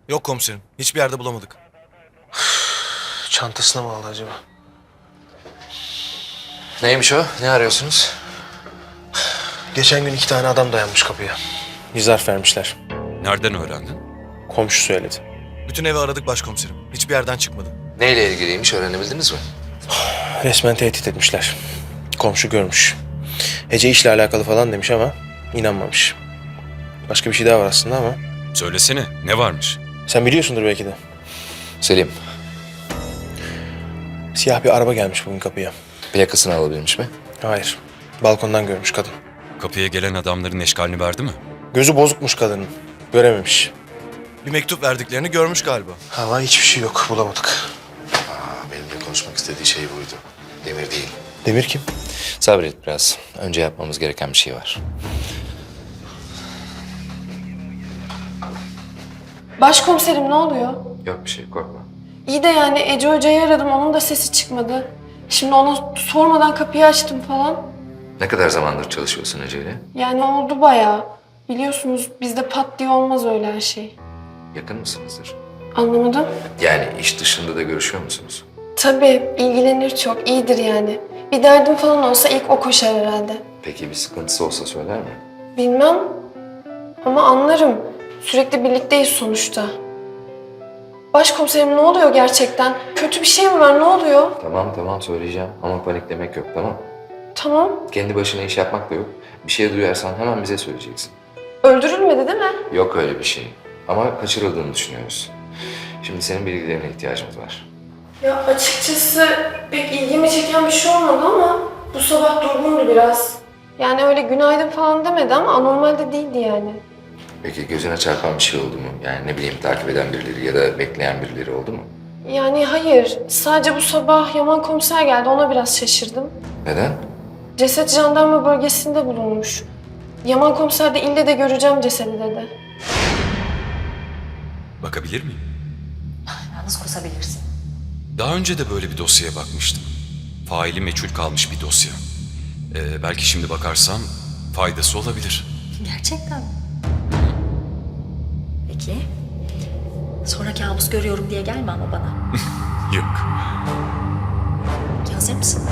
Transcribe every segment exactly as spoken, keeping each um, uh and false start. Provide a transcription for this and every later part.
Yok komiserim. Hiçbir yerde bulamadık. Çantasına mı aldı acaba? Neymiş o? Ne arıyorsunuz? Geçen gün iki tane adam dayanmış kapıya. Bir zarf vermişler. Nereden öğrendin? Komşu söyledi. Bütün evi aradık başkomiserim. Hiçbir yerden çıkmadı. Neyle ilgiliymiş öğrenebildiniz mi? Resmen tehdit etmişler. Komşu görmüş. Ece işle alakalı falan demiş ama inanmamış. Başka bir şey daha var aslında ama Söylesene, ne varmış? sen biliyorsundur belki de. Selim, Siyah bir araba gelmiş bugün kapıya. plakasını alabilmiş mi? Hayır. Balkondan görmüş kadın. Kapıya gelen adamların eşkalini verdi mi? Gözü bozukmuş kadının. Görememiş. Bir mektup verdiklerini görmüş galiba. Hava hiçbir şey yok. Bulamadık. Aa, benimle konuşmak istediği şey buydu. Demir değil. Demir kim? Sabret biraz. Önce yapmamız gereken bir şey var. Başkomiserim ne oluyor? Yok bir şey, korkma. İyi de yani Ece Hoca'yı aradım, onun da sesi çıkmadı. Şimdi ona sormadan kapıyı açtım falan. Ne kadar zamandır çalışıyorsun Ece'yle? Yani oldu bayağı. Biliyorsunuz bizde pat diye olmaz öyle her şey. Yakın mısınızdır? Anlamadım. Yani iş dışında da görüşüyor musunuz? Tabii ilgilenir çok, iyidir yani. Bir derdim falan olsa ilk o koşar herhalde. Peki bir sıkıntısı olsa söyler mi? Bilmem ama anlarım. Sürekli birlikteyiz sonuçta. Başkomiserim ne oluyor gerçekten? Kötü bir şey mi var, ne oluyor? Tamam tamam söyleyeceğim ama paniklemek yok, tamam. Tamam. Kendi başına iş yapmak da yok. Bir şey duyarsan hemen bize söyleyeceksin. Öldürülmedi değil mi? Yok öyle bir şey. Ama kaçırıldığını düşünüyoruz. Şimdi senin bilgilerine ihtiyacımız var. Ya açıkçası pek ilgimi çeken bir şey olmadı ama bu sabah durgundu biraz. Yani öyle günaydın falan demedi ama anormal de değildi yani. Peki gözüne çarpan bir şey oldu mu? Yani ne bileyim takip eden birileri ya da bekleyen birileri oldu mu? Yani hayır, sadece bu sabah Yaman komiser geldi, ona biraz şaşırdım. Neden? Ceset jandarma bölgesinde bulunmuş. Yaman komiser de ille de göreceğim cesedi dedi. Bakabilir miyim? Yalnız kusabilirsin. Daha önce de böyle bir dosyaya bakmıştım. Faili meçhul kalmış bir dosya. Ee, belki şimdi bakarsam faydası olabilir. Gerçekten mi? Peki. Sonra kabus görüyorum diye gelme ama bana. Yok. Peki, hazır mısın?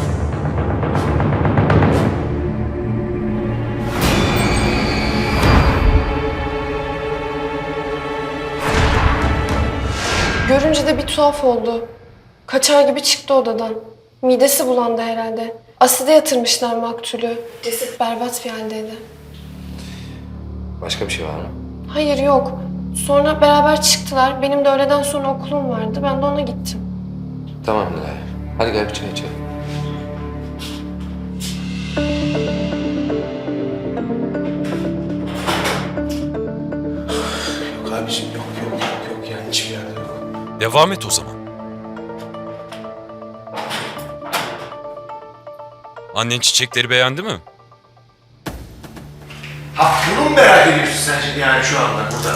Görünce de bir tuhaf oldu. Kaçar gibi çıktı odadan. Midesi bulandı herhalde. Aside yatırmışlar maktulü. Ceset berbat bir haldeydi. Başka bir şey var mı? Hayır yok. Sonra beraber çıktılar. Benim de öğleden sonra okulum vardı. Ben de ona gittim. Tamam Nilay. Hadi gel bir çay içelim. Yok abicim yok yok yok yok yani hiçbir yerde yok. Devam et o zaman. Annen çiçekleri beğendi mi? Ha bunu mu merak ediyorsun sen şimdi yani şu anda burada?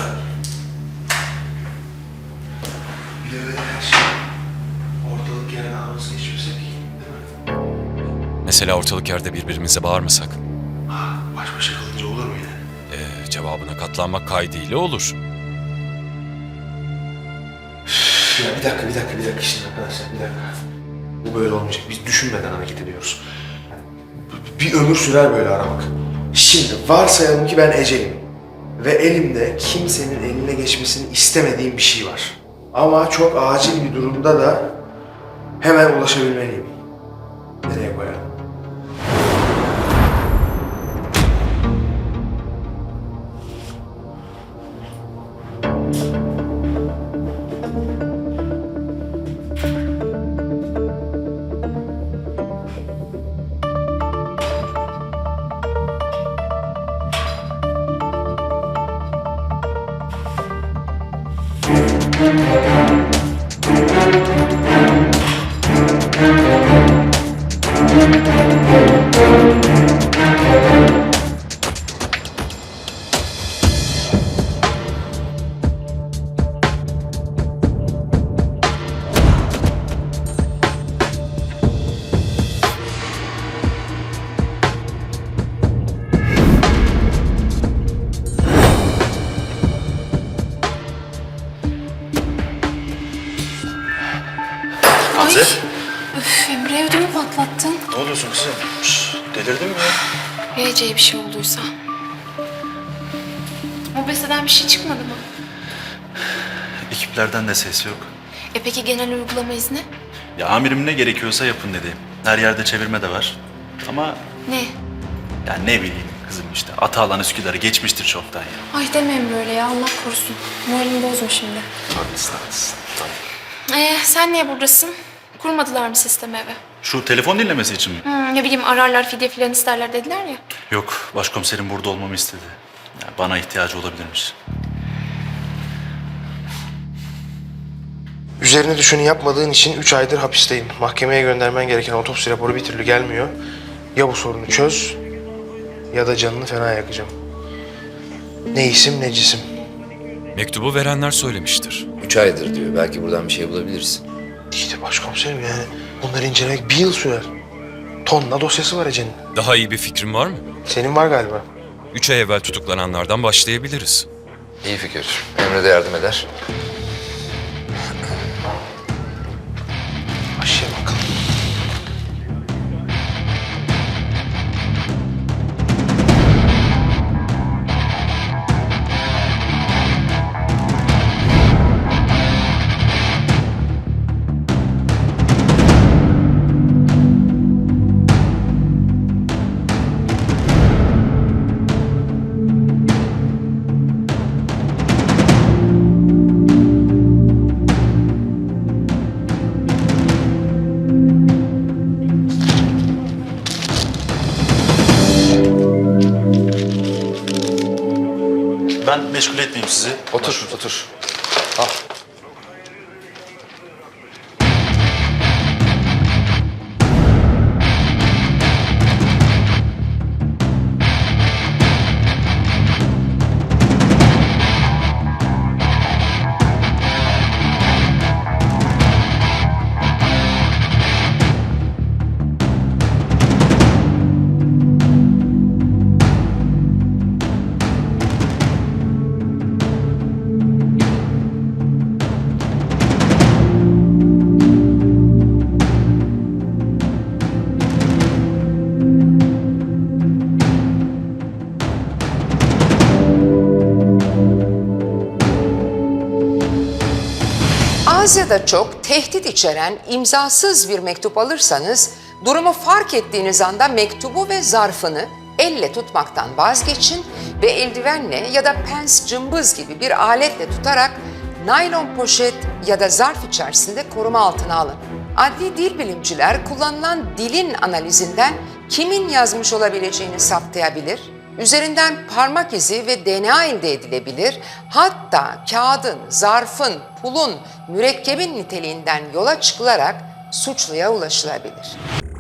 Bir de öyle her şey ortalık yerine ağız geçmesek değil mi? Mesela ortalık yerde birbirimize bağırmasak. Ha, baş başa kalınca olur mu yine? Ee, cevabına katlanmak kaydıyla olur. Ya bir dakika bir dakika bir dakika şimdi arkadaşlar bir dakika. Bu böyle olmayacak. Biz düşünmeden hareket ediyoruz. Bir ömür sürer böyle aramak. Şimdi varsayalım ki ben Ece'yim. Ve elimde kimsenin eline geçmesini istemediğim bir şey var. Ama çok acil bir durumda da hemen ulaşabilmeliyim. Nereye koyalım? yapıyorsun kızım? Şş, delirdin mi ya? Ya Ece'ye bir şey olduysa? Mobese'den bir şey çıkmadı mı? Ekiplerden de ses yok. E peki genel uygulama izni? Ya amirim ne gerekiyorsa yapın dedi. Her yerde çevirme de var. Ama Ne? ya ne bileyim kızım işte. Atalan Üsküdar'ı geçmiştir çoktan ya. Ay demeyin böyle ya, Allah korusun. Moralimi bozma şimdi. Haklısın haklısın. Tamam. Ee, sen niye buradasın? Kurmadılar mı sistemi eve? Şu telefon dinlemesi için mi? Hmm, ne bileyim ararlar, fidye filan isterler dediler ya. Yok, başkomiserim burada olmamı istedi. Ya bana ihtiyacı olabilirmiş. Üzerine düşeni yapmadığın için üç aydır hapisteyim. Mahkemeye göndermen gereken otopsi raporu bir türlü gelmiyor. Ya bu sorunu çöz ya da canını fena yakacağım. Ne isim ne cisim. Mektubu verenler söylemiştir. Üç aydır diyor. Belki buradan bir şey bulabiliriz. İşte başkomiserim yani bunları incelemek bir yıl sürer. Tonla dosyası var Ece'nin. Daha iyi bir fikrin var mı? Senin var galiba. Üç ay evvel tutuklananlardan başlayabiliriz. İyi fikir. Emre de yardım eder. Başlayalım bakalım. Ben meşgul etmeyeyim sizi. Otur, otur. Az ya da çok tehdit içeren imzasız bir mektup alırsanız durumu fark ettiğiniz anda mektubu ve zarfını elle tutmaktan vazgeçin ve eldivenle ya da pens cımbız gibi bir aletle tutarak naylon poşet ya da zarf içerisinde koruma altına alın. Adli dil bilimciler kullanılan dilin analizinden kimin yazmış olabileceğini saptayabilir, üzerinden parmak izi ve D N A elde edilebilir, hatta kağıdın, zarfın, pulun, mürekkebin niteliğinden yola çıkılarak suçluya ulaşılabilir.